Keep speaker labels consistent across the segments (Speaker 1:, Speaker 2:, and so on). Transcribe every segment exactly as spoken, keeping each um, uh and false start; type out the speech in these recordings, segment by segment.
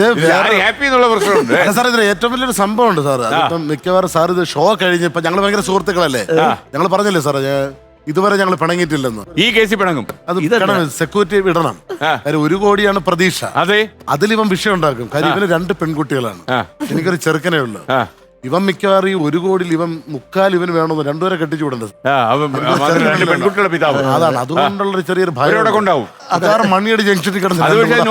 Speaker 1: Happy എന്നുള്ള പ്രശ്നമുണ്ട്
Speaker 2: sir. ഇതിന് ഏറ്റവും വലിയൊരു സംഭവം ഉണ്ട് സാർ. അതിപ്പം മിക്കവാറും സാർ ഇത് ഷോ കഴിഞ്ഞപ്പോ ഞങ്ങൾ ഭയങ്കര സുഹൃത്തുക്കളല്ലേ, ഞങ്ങൾ പറഞ്ഞില്ലേ സാർ ഇതുവരെ ഞങ്ങൾ പിണങ്ങിയിട്ടില്ലെന്ന്.
Speaker 1: ഈ കേസിൽ പിണങ്ങും.
Speaker 2: അത് സെക്യൂരിറ്റി വിടണം. കാര്യം ഒരു കോടിയാണ് പ്രതീക്ഷ.
Speaker 1: അതെ,
Speaker 2: അതിലിവൻ വിഷയം ഉണ്ടാക്കും. കാര്യം ഇവന് രണ്ട് പെൺകുട്ടികളാണ്, എനിക്കൊരു ചെറുക്കനേ ഉള്ളു. ഇവൻ മിക്കവാറും ഈ ഒരു കോടിയിൽ ഇവൻ മുക്കാൽ ഇവന് വേണമെന്ന് രണ്ടുപേരെ കെട്ടിച്ചു വിടേണ്ടത്.
Speaker 1: പെൺകുട്ടികളുടെ പിതാവ്.
Speaker 2: അതാണ് അതുകൊണ്ടുള്ള ഒരു ചെറിയൊരു ഭയം
Speaker 1: ഉണ്ടാവും.
Speaker 2: അതാറ് മണിയടി ജംഗ്ഷനിൽ കിടന്നു.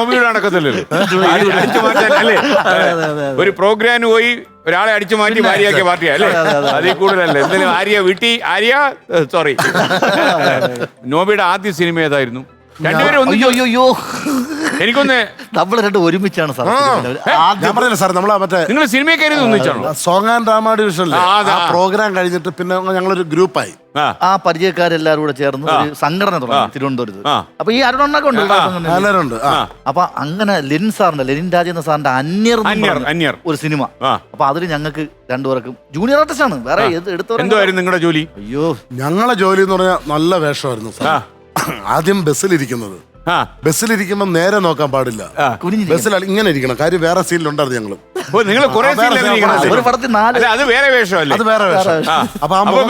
Speaker 1: ഒരു പ്രോഗ്രാമിന് പോയി ഒരാളെ അടിച്ചു മാറ്റി ഭാര്യയാക്കിയ പാർട്ടിയാ അല്ലേ? അതിൽ കൂടുതലല്ലേ എന്തെങ്കിലും. ആര്യ വീട്ടി ആര്യ സോറി നോബിയുടെ ആദ്യ സിനിമ ഏതായിരുന്നു? രണ്ടുപേരും എനിക്കൊന്ന്
Speaker 3: നമ്മള് രണ്ടും ഒരുമിച്ചാണ് സാർ.
Speaker 2: ഞാൻ പറഞ്ഞില്ല സാർ, നമ്മളാ മറ്റേ
Speaker 1: നിങ്ങൾ സിനിമയെ കയറി ഒന്നിച്ചാണോ?
Speaker 2: സോങ് ആൻഡ് ഡ്രാമ ഡിവിഷൻ ആ പ്രോഗ്രാം കഴിഞ്ഞിട്ട് പിന്നെ ഞങ്ങളൊരു ഗ്രൂപ്പായി.
Speaker 3: ആ പരിചയക്കാരെല്ലാരും കൂടെ ചേർന്ന് ഒരു സംഘടന തുടങ്ങി തിരുവനന്തപുരത്ത്. അപ്പൊ ഈ അരുണൊക്കെ ഉണ്ട്. അപ്പൊ അങ്ങനെ ലെനിൻ സാറിന്റെ ലെനിൻ രാജേന്ദ്ര സാറിന്റെ അന്യർ ഒരു സിനിമ. അപ്പൊ അതിൽ ഞങ്ങൾക്ക് രണ്ടുപേർക്കും ജൂനിയർ ആർട്ടിസ്റ്റ് ആണ്. വേറെ
Speaker 1: എന്തായിരുന്നു നിങ്ങളുടെ ജോലി?
Speaker 2: അയ്യോ, ഞങ്ങളെ ജോലി എന്ന് പറഞ്ഞാൽ നല്ല വേഷമായിരുന്നു സാർ. ആദ്യം ബസ്സിലിരിക്കുന്നത്, ബസ്സിലിരിക്കുമ്പോ നേരെ നോക്കാൻ പാടില്ല, ബസ്സിൽ ഇങ്ങനെ ഇരിക്കണം. കാര്യം വേറെ സീനിലുണ്ടായിരുന്നു ഞങ്ങള്.
Speaker 1: നിങ്ങൾ
Speaker 3: ഒരു പടത്തിൽ നാല്
Speaker 1: അത് വേറെ വേഷമല്ലേ?
Speaker 2: അത് വേറെ വേഷം. അപ്പൊ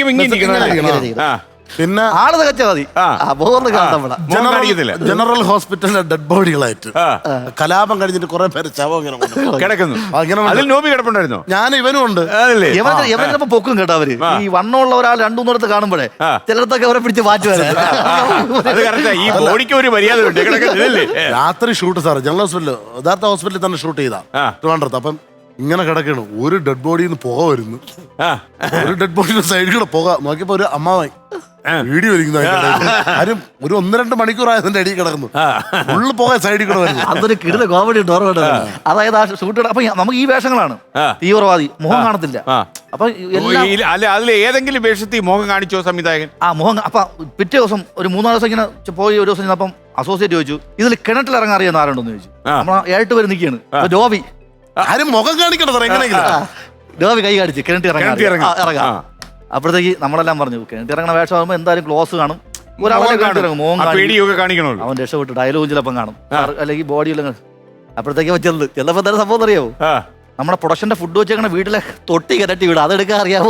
Speaker 2: പിന്നെ
Speaker 3: ആള് തികച്ചാൽ മതി.
Speaker 2: ജനറൽ ഹോസ്പിറ്റലിലെ ഡെഡ് ബോഡികളായിട്ട് കലാപം കഴിഞ്ഞിട്ട് കുറെ പേര് ശവം ഇങ്ങനെ
Speaker 1: കിടക്കുന്നു. നോബി കിടപ്പുണ്ടായിരുന്നു.
Speaker 2: ഞാൻ ഇവനും ഉണ്ട്.
Speaker 3: ഇവനൊക്കെ പൊക്കും കേട്ടോ. അവര് ഈ വണ്ണമുള്ള ഒരാൾ രണ്ടു മൂന്നിടത്ത് കാണുമ്പോഴേ ചിലടത്തൊക്കെ അവരെ പിടിച്ച് മാറ്റുവാൻ.
Speaker 2: രാത്രി ഷൂട്ട് സാർ ജനറൽ ഹോസ്പിറ്റലിൽ, യഥാർത്ഥ ഹോസ്പിറ്റലിൽ തന്നെ ഷൂട്ട് ചെയ്താ ട്രിവാൻഡ്രത്ത്. അപ്പം ഇങ്ങനെ കിടക്കണം, ഒരു ഡെഡ് ബോഡിയിൽ നിന്ന് പുക വരുന്നു. ഒരു ഡെഡ് ബോഡിയുടെ സൈഡിൽ കൂടെ പുക നോക്കിയപ്പോ ഒരു അമ്മാവായി വീഡിയോ ഇരിക്കുന്ന ആരും ഒരു ഒന്ന് രണ്ട് മണിക്കൂറായതിന്റെ അടിയിൽ കിടക്കുന്നു. ഫുള്ള് പോകാൻ സൈഡിൽ കൂടെ വരുന്നു.
Speaker 3: അതൊരു കിടുന്ന കോമഡി ഉണ്ട്. അതായത് ആ ഷൂട്ട് അപ്പൊ നമുക്ക് ഈ വേഷങ്ങളാണ്. തീവ്രവാദി മുഖം കാണത്തില്ല. അപ്പൊ
Speaker 1: അതിൽ ഏതെങ്കിലും വേഷത്തിൽ മുഖം കാണിച്ചോ സംവിധായകൻ?
Speaker 3: ആ മുഖം. അപ്പൊ പിറ്റേ ദിവസം ഒരു മൂന്നാല് ദിവസം ഇങ്ങനെ പോയി ഒരു ദിവസം അപ്പം അസോസിയേറ്റ് ചോദിച്ചു, ഇതിൽ കിണറ്റിൽ ഇറങ്ങാൻ അറിയാവുന്ന ആരുണ്ടെന്ന് ചോദിച്ചു. നമ്മൾ ഏട്ട് പേര് നിൽക്കുകയാണ്. ജോബി
Speaker 2: ആരും മുഖം കാണിക്കണം സാർ എങ്ങനെയെങ്കിലും.
Speaker 3: ജോബി കൈ കാണിച്ച് കിണറ്റിൽ ഇറങ്ങാം ഇറങ്ങാം. അപ്പോഴത്തേക്ക് നമ്മളെല്ലാം പറഞ്ഞു കിണറ്റി ഇറങ്ങുന്ന വേഷമാകുമ്പോൾ എന്തായാലും ക്ലോസ് കാണും. ഒരാളെ കാണിക്കണം. അവൻ രക്ഷപ്പെട്ട് ഡയലോഗ് ചിലപ്പം കാണും, അല്ലെങ്കിൽ ബോഡിയിൽ. അപ്പോഴത്തേക്ക് ചെല്ല് ചെല്ലപ്പോ എന്തായാലും സംഭവം അറിയാവോ? നമ്മുടെ പ്രൊഡക്ഷന്റെ ഫുഡ് വെച്ചേക്കണ വീട്ടിലെ തൊട്ടി കരട്ടി വീട് അതെടുക്കാൻ അറിയാമോ?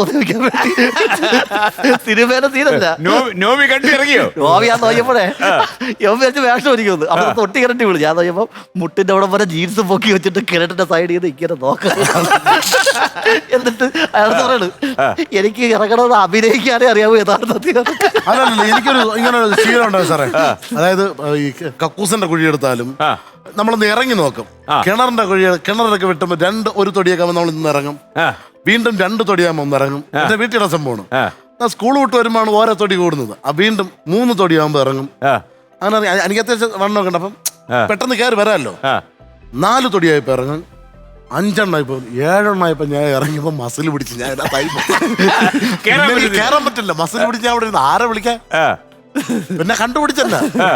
Speaker 3: സിനിമേനെ സീനല്ല. നോബി ഞാൻ നോക്കിയപ്പോഴേ യോബി വെച്ച് വേഷം ഒരുക്കുന്നു. അപ്പൊ തൊട്ടി കരട്ടി വീട് ഞാൻ നോക്കിയപ്പോ മുട്ടിന്റെ അവിടെ പോലെ ജീൻസ് പൊക്കി വെച്ചിട്ട് കിണറ്റിന്റെ സൈഡ് ചെയ്ത് ഇങ്ങനെ നോക്കാം. എന്നിട്ട് അയാൾ പറയണ്, എനിക്ക് ഇറങ്ങണത് അഭിനയിക്കാനേ അറിയാവൂ യഥാർത്ഥത്തിൽ.
Speaker 2: അതല്ല, എനിക്കൊരു ഇങ്ങനെ ശീലം ഉണ്ടാവും സാറേ. അതായത് ഈ കക്കൂസിന്റെ കുഴിയെടുത്താലും നമ്മളൊന്ന് ഇറങ്ങി നോക്കും. കിണറിന്റെ കുഴി കിണറൊക്കെ വെട്ടുമ്പോ രണ്ട് ഒരു തൊടിയൊക്കെ നമ്മൾ ഇന്ന് ഇറങ്ങും, വീണ്ടും രണ്ട് തൊടിയാകുമ്പോ ഒന്ന് ഇറങ്ങും. എന്റെ വീട്ടിലെ സംഭവമാണ്. സ്കൂൾ വിട്ട് വരുമ്പോഴാണ് ഓരോ തൊടി കൂടുന്നത്. ആ വീണ്ടും മൂന്ന് തൊടിയാകുമ്പോ ഇറങ്ങും. അങ്ങനെ എനിക്ക് അത്യാവശ്യം വണ്ണമൊക്കെ ഉണ്ട്. അപ്പം പെട്ടെന്ന് കയറി വരാമല്ലോ. നാല് തൊടിയായപ്പോ ഇറങ്ങും, അഞ്ചെണ്ണായിപ്പോ ഏഴെണ്ണായപ്പോ ഞാൻ ഇറങ്ങിയപ്പോ മസിൽ പിടിച്ച് ഞാൻ കയറാൻ പറ്റില്ല. മസിൽ പിടിച്ച് ഞാൻ അവിടെ ഇരുന്ന് ആരെ വിളിക്കാൻ പിന്നെ കണ്ടുപിടിച്ചല്ല.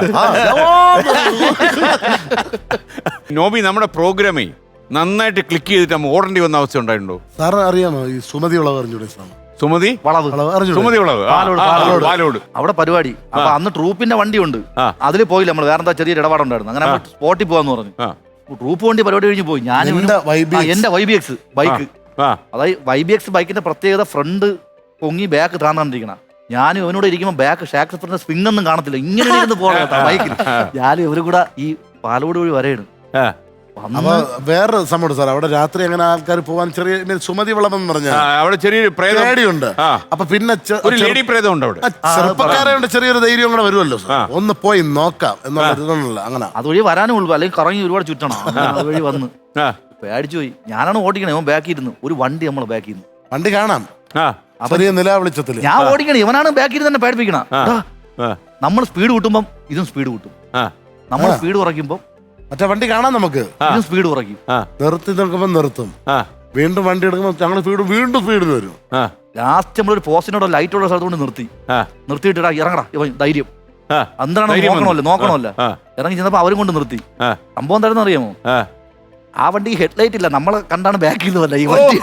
Speaker 1: നോബി നമ്മുടെ പ്രോഗ്രാമേ നന്നായിട്ട് ക്ലിക്ക് ചെയ്തിട്ട് ഓടേണ്ടി വന്ന അവസ്ഥ ഉണ്ടായിട്ടുണ്ടോ
Speaker 2: സാറ്? അറിയാമോ ഈ സുമതി വിളവ് അറിഞ്ഞൂടെ?
Speaker 1: സുമതി
Speaker 3: വളവ്
Speaker 1: സുമതി വളവ് പാലോട്
Speaker 3: അവിടെ പരിപാടി. അപ്പൊ അന്ന് ട്രൂപ്പിന്റെ വണ്ടി ഉണ്ട്, അതിൽ പോയില്ല നമ്മൾ. വേറെ എന്താ ചെറിയൊരു ഇടപാടുണ്ടായിരുന്നു. അങ്ങനെ സ്പോട്ടിൽ പോവാന്ന് പറഞ്ഞു. ട്രൂപ്പ് വണ്ടി പരിപാടി കഴിഞ്ഞ് പോയി. ഞാൻ എന്റെ വൈ ബി എക്സ് ബൈക്ക്, അതായത് വൈ ബി എക്സ് ബൈക്കിന്റെ പ്രത്യേകത ഫ്രണ്ട് പൊങ്ങി ബാക്ക് താന്നിരിക്കണം. ഞാനും ഇവനോട് ഇരിക്കുമ്പോൾ ബാക്ക് ഷാക്സ് സ്പിൻ ഒന്നും കാണത്തില്ല, ഇങ്ങനെ ഇരുന്ന് പോകണം ബൈക്കിൽ. ഞാനും ഇവരും കൂടെ ഈ പാലോട് വഴി വരെയാണ്.
Speaker 2: അപ്പൊ വേറെ സംഭവം സാർ, അവിടെ രാത്രി അങ്ങനെ ആൾക്കാർ പോവാൻ ചെറിയ സുമതി വിളവെന്ന് പറഞ്ഞാൽ
Speaker 1: അവിടെ ചെറിയൊരു പേടിയുണ്ട്.
Speaker 2: അപ്പൊ പിന്നെ ചെറുപ്പക്കാരെ ചെറിയൊരു ധൈര്യം കൂടെ വരുമല്ലോ, ഒന്ന് പോയി നോക്കാം എന്നുള്ള. അങ്ങനെ
Speaker 3: അതുവഴി വരാനും ഉള്ളു, അല്ലെങ്കിൽ കറങ്ങി ഒരുപാട് ചുറ്റണം. അതുവഴി വന്ന് പേടിച്ചു പോയി. ഞാനാണ് ഓടിക്കണേ, അവൻ ബാക്കി ഇരുന്നു. ഒരു വണ്ടി നമ്മൾ ബാക്കി ഇരുന്നു,
Speaker 2: വണ്ടി കാണാം ചെറിയ നില വെളിച്ചത്തില്.
Speaker 3: ഞാൻ ഓടിക്കണേ, ഇവനാണ് ബാക്കിൽ തന്നെ പേടിപ്പിക്കണ. നമ്മൾ സ്പീഡ് കൂട്ടുമ്പം ഇതും സ്പീഡ് കൂട്ടും, നമ്മൾ സ്പീഡ് കുറയ്ക്കുമ്പോ
Speaker 2: മറ്റേ വണ്ടി കാണാം നമുക്ക്.
Speaker 3: ഇതും സ്പീഡ് കുറയ്ക്കും.
Speaker 2: നിർത്തി നിൽക്കുമ്പോ നിർത്തും, വീണ്ടും വണ്ടി എടുക്കുമ്പോ ഞങ്ങൾ സ്പീഡ് വീണ്ടും സ്പീഡ് വരും.
Speaker 3: ലാസ്റ്റ് നമ്മളൊരു പോസ്റ്റിനോടോ ലൈറ്റോടോ സ്ഥലത്ത് കൊണ്ട് നിർത്തി നിർത്തിയിട്ടാ ഇറങ്ങടാ ഇവൻ ധൈര്യം. എന്താണ് നോക്കണമല്ലോ നോക്കണമല്ലോ. ഇറങ്ങി ചെന്നപ്പോ അവരും കൊണ്ട് നിർത്തി. സംഭവം എന്താണെന്ന് അറിയാമോ? ആ വണ്ടി ഹെഡ്ലൈറ്റ് ഇല്ല, നമ്മളെ കണ്ടാണ് ബാക്ക് ചെയ്ത് വല്ല ഈ വണ്ടി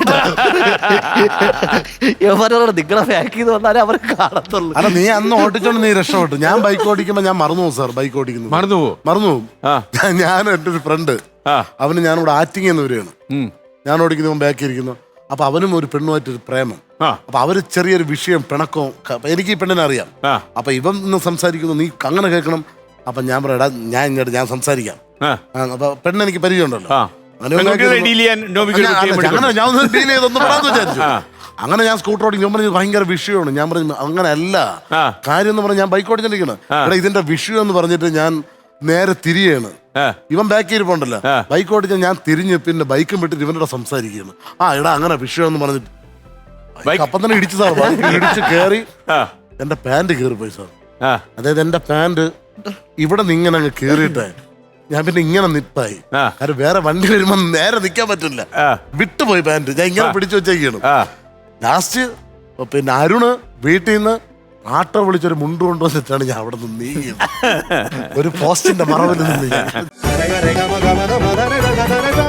Speaker 3: യവരോട് നിങ്ങളെ ബാക്ക് ചെയ്ത് വന്നാലേ അവർ കാണത്തുള്ളൂ.
Speaker 2: അല്ല നീ അന്ന് ഓടിച്ചോണ്ട് നീ രക്ഷപ്പെട്ടു. ഞാൻ ബൈക്ക് ഓടിക്കുമ്പോ ഞാൻ മറന്നു പോകും സാർ. ബൈക്ക് ഓടിക്കുന്നു
Speaker 1: മറന്നു പോകും
Speaker 2: മറന്നു പോകും ഞാൻ എൻ്റെ ഒരു ഫ്രണ്ട്, അവന് ഞാനിവിടെ ആറ്റിങ് എന്ന് വരികയാണ്. ഞാൻ ഓടിക്കുന്നു, ബാക്കി ഇരിക്കുന്നു. അപ്പൊ അവനും ഒരു പെണ്ണുമായിട്ടൊരു പ്രേമം. അപ്പൊ അവര് ചെറിയൊരു വിഷയം പിണക്കവും. എനിക്ക് ഈ പെണ്ണിനെ അറിയാം. അപ്പൊ ഇവൻ ഇന്ന് സംസാരിക്കുന്നു, നീ അങ്ങനെ കേൾക്കണം. അപ്പൊ ഞാൻ പറയാ ഞാൻ ഇങ്ങോട്ട് ഞാൻ സംസാരിക്കാം. അപ്പൊ പെണ്ണ് എനിക്ക് പരിചയമുണ്ടല്ലോ. അങ്ങനെ ഞാൻ ഒന്ന് ഡീൽ ചെയ്തൊന്ന് പറയാന്ന് വിചാരിച്ചു. അങ്ങനെ ഞാൻ സ്കൂട്ടർ ഓടിക്കും. ഞാൻ പറഞ്ഞു ഭയങ്കര വിഷയമാണ്. ഞാൻ പറഞ്ഞു അങ്ങനെ അല്ല കാര്യം എന്ന് പറഞ്ഞാൽ ഞാൻ ബൈക്ക് ഓടിച്ചിരിക്കണം. എടാ ഇതിന്റെ വിഷയം എന്ന് പറഞ്ഞിട്ട് ഞാൻ നേരെ തിരിയാണ്. ഇവൻ ബാക്കി ഇരിപ്പുണ്ടല്ലോ, ബൈക്ക് ഓടിച്ചാൽ ഞാൻ തിരിഞ്ഞ് പിന്നെ ബൈക്കും വിട്ടിട്ട് ഇവനോട് സംസാരിക്കുകയാണ്. ആ എടാ അങ്ങനെ വിഷയം എന്ന് പറഞ്ഞിട്ട് അപ്പം തന്നെ ഇടിച്ചു സാർ. ഇടിച്ച് കയറി എന്റെ പാന്റ് കീറി പോയി സാർ. അതായത് എന്റെ പാന്റ് ഇവിടെ നിന്ന് ഇങ്ങനെ അങ്ങ് കീറിയിട്ടേ ഞാൻ പിന്നെ ഇങ്ങനെ നിപ്പായി. കാരണം വേറെ വണ്ടി വരുമ്പോ നേരെ നിക്കാൻ പറ്റില്ല, വിട്ടുപോയി പാന്റ്. ഞാൻ ഇങ്ങനെ പിടിച്ചു വെച്ചേക്കാണ്. ലാസ്റ്റ് പിന്നെ അരുണ് വീട്ടിൽ നിന്ന് ആട്ടോ വിളിച്ചൊരു മുണ്ട് കൊണ്ടുവന്നിട്ടാണ് ഞാൻ അവിടെ നിന്ന് നീങ്ങിയത്. ഒരു പോസ്റ്റിന്റെ മറവിൽ നിന്ന്